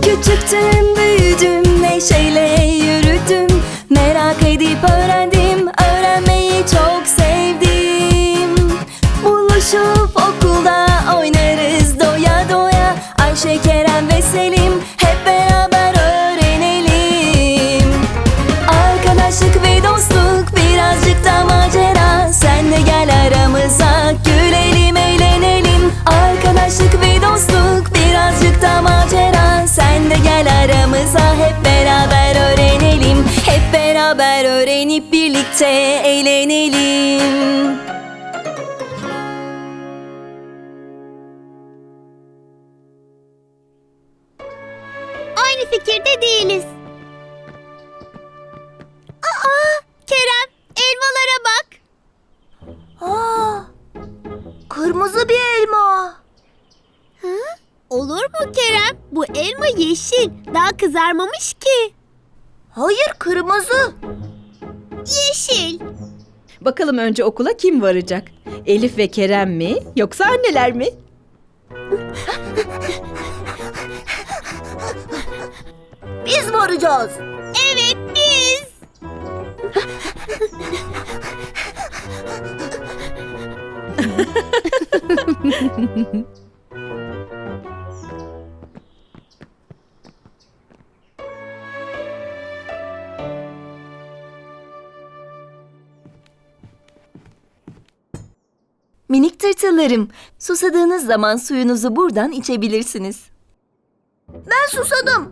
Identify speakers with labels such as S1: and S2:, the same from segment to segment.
S1: Küçüktüm, büyüdüm, neşeyle yürüdüm. Merak edip öğrendim, öğrenmeyi çok sevdim. Buluşup okulda oynarız doya doya. Ayşe, Kerem ve Selim hep beraber öğrenelim. Arkadaşlık ve dostluk, birazcık da macera. Sen de gel aramıza, gülelim, eğlenelim. Arkadaşlık ve dostluk, birazcık da macera. Sen de gel aramıza, hep beraber öğrenelim. Hep beraber öğrenip birlikte eğlenelim.
S2: Aynı fikirde değiliz. Aa, Kerem, elmalara bak.
S3: Kırmızı bir elma.
S2: Hı? Olur mu Kerem? Bu elma yeşil. Daha kızarmamış ki.
S3: Hayır, kırmızı.
S2: Yeşil.
S4: Bakalım önce okula kim varacak? Elif ve Kerem mi yoksa anneler mi?
S3: Biz varacağız.
S2: Evet, biz.
S1: Minik tırtıllarım, susadığınız zaman suyunuzu buradan içebilirsiniz.
S3: Ben susadım.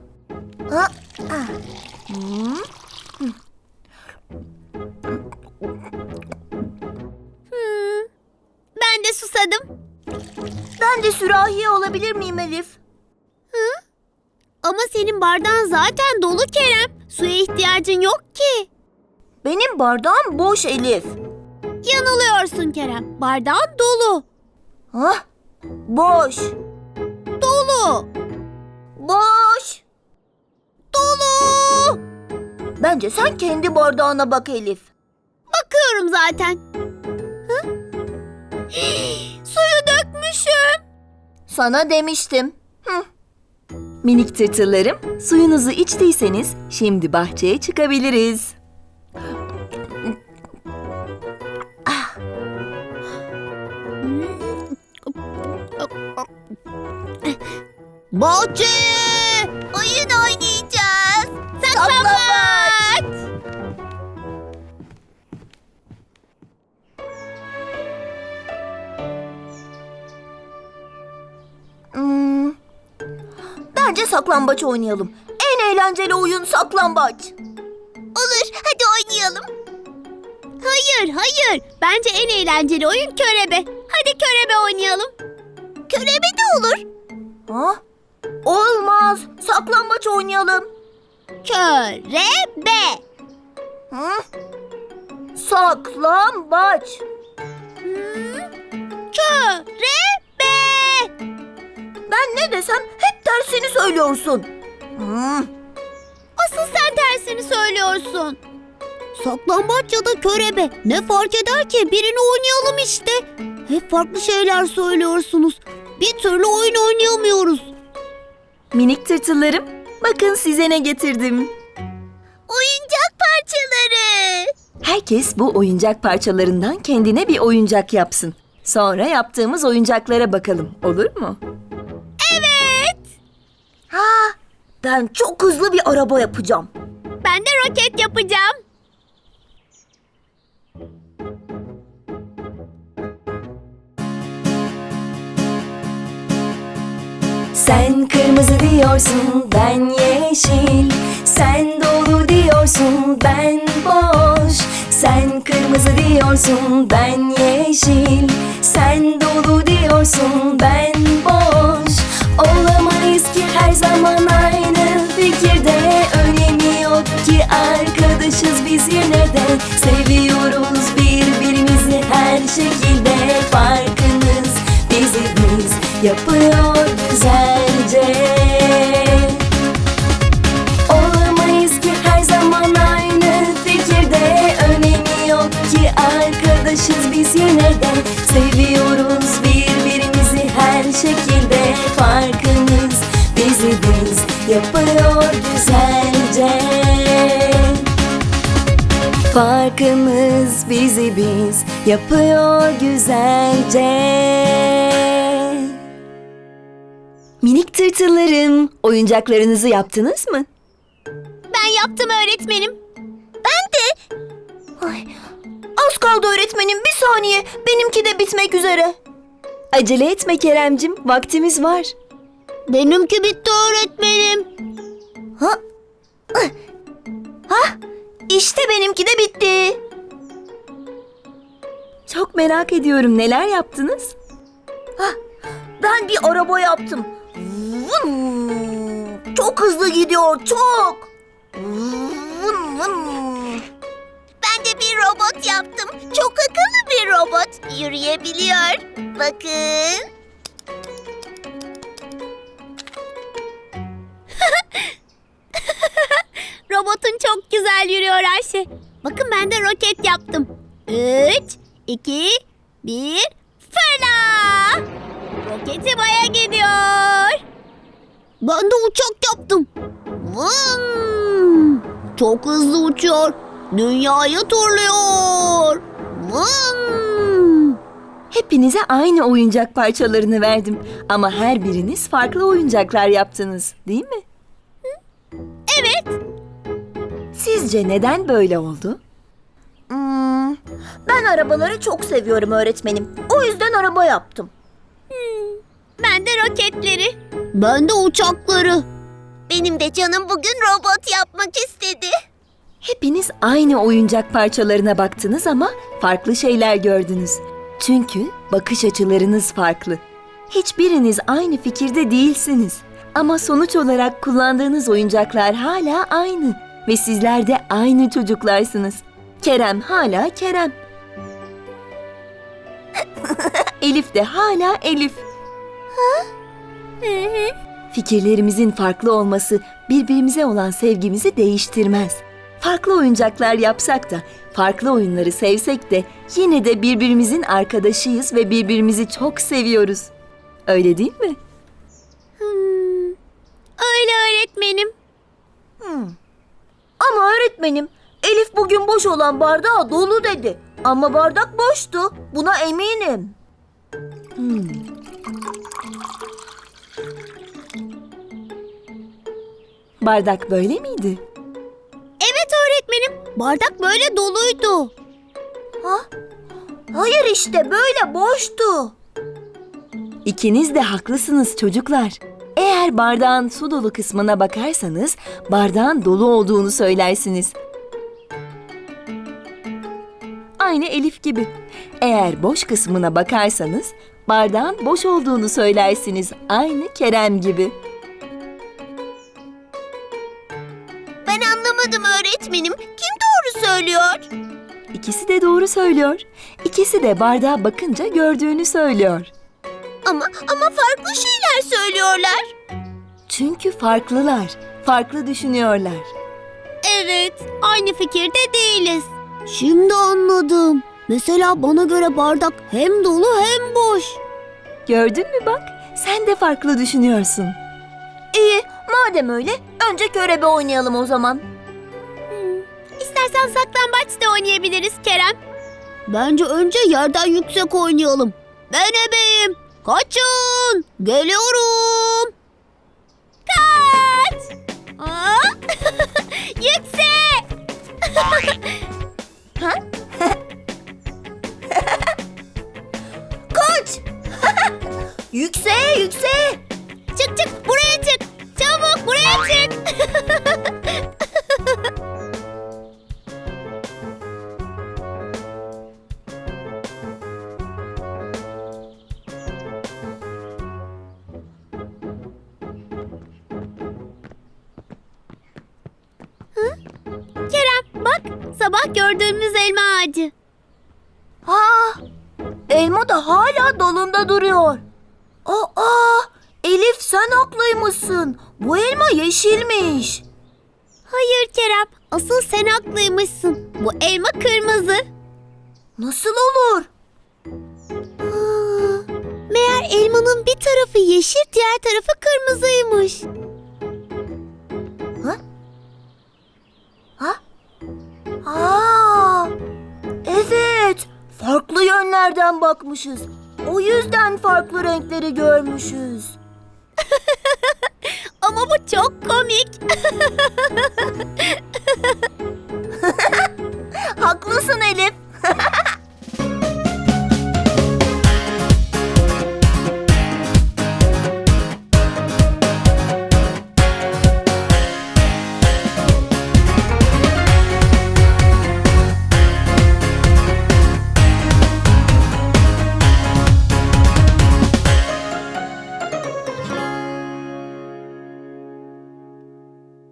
S2: Ben de susadım.
S3: Ben de sürahi alabilir miyim Elif?
S2: Ama senin bardağın zaten dolu Kerem. Suya ihtiyacın yok ki.
S3: Benim bardağım boş Elif.
S2: Yanılıyorsun Kerem. Bardağın dolu.
S3: Boş.
S2: Dolu.
S3: Boş.
S2: Dolu.
S3: Bence sen kendi bardağına bak Elif.
S2: Bakıyorum zaten. Suyu dökmüşüm.
S3: Sana demiştim.
S1: Minik tırtıllarım, suyunuzu içtiyseniz şimdi bahçeye çıkabiliriz.
S2: Bahçeye oyun oynayacağız. Saklambaç.
S3: Bence saklambaç oynayalım. En eğlenceli oyun saklambaç.
S2: Olur, hadi oynayalım. Hayır. Bence en eğlenceli oyun körebe. Hadi körebe oynayalım. Körebe de olur.
S3: Olmaz. Saklambaç oynayalım.
S2: Körebe.
S3: Saklambaç.
S2: Körebe.
S3: Ben ne desem hep tersini söylüyorsun.
S2: Asıl sen tersini söylüyorsun. Saklambaç ya da körebe ne fark eder ki? Birini oynayalım işte. Hep farklı şeyler söylüyorsunuz. Bir türlü oyun oynayamıyoruz.
S1: Minik tırtıllarım, bakın size ne getirdim.
S2: Oyuncak parçaları.
S1: Herkes bu oyuncak parçalarından kendine bir oyuncak yapsın. Sonra yaptığımız oyuncaklara bakalım, olur mu?
S2: Evet.
S3: Ben çok hızlı bir araba yapacağım.
S2: Ben de roket yapacağım.
S1: Sen kırmızı diyorsun, ben yeşil. Sen dolu diyorsun, ben boş. Sen kırmızı diyorsun, ben yeşil. Sen dolu diyorsun, ben boş. Olamayız ki her zaman aynı fikirde. Önemi yok ki arkadaşız biz yine de. Seviyoruz birbirimizi her şekilde. Farkınız bizi biz yapıyor güzelce. Olamayız ki her zaman aynı fikirde. Önemi yok ki arkadaşız biz yine de. Seviyoruz birbirimizi her şekilde. Farkınız bizi biz yapıyor parkımız bizi biz yapıyor güzelce. Minik tırtıllarım, oyuncaklarınızı yaptınız mı?
S2: Ben yaptım öğretmenim.
S3: Ay, az kaldı öğretmenim, bir saniye. Benimki de bitmek üzere.
S1: Acele etme Keremcim, vaktimiz var.
S2: Benimki bitti öğretmenim.
S3: İşte benimki de bitti.
S1: Çok merak ediyorum, neler yaptınız?
S3: Ben bir araba yaptım. Vın! Çok hızlı gidiyor, çok. Vın, vın.
S2: Ben de bir robot yaptım. Çok akıllı bir robot. Yürüyebiliyor. Bakın. Robotun çok güzel yürüyor Ayşe. Bakın ben de roket yaptım. 3, 2, 1, fırla! Roketi Ay'a gidiyor. Ben de uçak yaptım. Vın! Çok hızlı uçuyor. Dünyayı turluyor. Vın!
S1: Hepinize aynı oyuncak parçalarını verdim. Ama her biriniz farklı oyuncaklar yaptınız, değil mi?
S2: Evet.
S1: Sizce neden böyle oldu?
S3: Ben arabaları çok seviyorum öğretmenim. O yüzden araba yaptım.
S2: Ben de roketleri. Ben de uçakları. Benim de canım bugün robot yapmak istedi.
S1: Hepiniz aynı oyuncak parçalarına baktınız ama farklı şeyler gördünüz. Çünkü bakış açılarınız farklı. Hiçbiriniz aynı fikirde değilsiniz. Ama sonuç olarak kullandığınız oyuncaklar hala aynı. Ve sizler de aynı çocuklarsınız. Kerem hala Kerem. Elif de hala Elif. Fikirlerimizin farklı olması birbirimize olan sevgimizi değiştirmez. Farklı oyuncaklar yapsak da, farklı oyunları sevsek de yine de birbirimizin arkadaşıyız ve birbirimizi çok seviyoruz. Öyle değil mi?
S2: Öyle öğretmenim.
S3: Ama öğretmenim, Elif bugün boş olan bardağı dolu dedi. Ama bardak boştu. Buna eminim.
S1: Bardak böyle miydi?
S2: Evet öğretmenim. Bardak böyle doluydu.
S3: Hayır işte böyle boştu.
S1: İkiniz de haklısınız çocuklar. Eğer bardağın su dolu kısmına bakarsanız bardağın dolu olduğunu söylersiniz. Aynı Elif gibi. Eğer boş kısmına bakarsanız bardağın boş olduğunu söylersiniz. Aynı Kerem gibi.
S2: Ben anlamadım öğretmenim. Kim doğru söylüyor?
S1: İkisi de doğru söylüyor. İkisi de bardağa bakınca gördüğünü söylüyor.
S2: Ama farklı şeyler söylüyorlar.
S1: Çünkü farklılar, farklı düşünüyorlar.
S2: Evet, aynı fikirde değiliz. Şimdi anladım. Mesela bana göre bardak hem dolu hem boş.
S1: Gördün mü bak, sen de farklı düşünüyorsun.
S3: İyi, madem öyle önce körebe oynayalım o zaman.
S2: İstersen saklambaç da oynayabiliriz Kerem. Bence önce yerden yüksek oynayalım. Ben ebeyim. Kaçın. Geliyorum. Kaç. Aa! Yüksek.
S3: Kaç! Yükseğe, yükseğe!
S2: Çık çık buraya çık. Çabuk buraya çık. Kerem bak sabah gördüğümüz elma ağacı.
S3: Elma da hala dalında duruyor. Elif sen haklıymışsın. Bu elma yeşilmiş.
S2: Hayır Kerem, asıl sen haklıymışsın. Bu elma kırmızı.
S3: Nasıl olur?
S2: Meğer elmanın bir tarafı yeşil, diğer tarafı kırmızıymış.
S3: Aa, yerden bakmışız. O yüzden farklı renkleri görmüşüz.
S2: Ama bu çok komik.
S3: Haklısın Elif.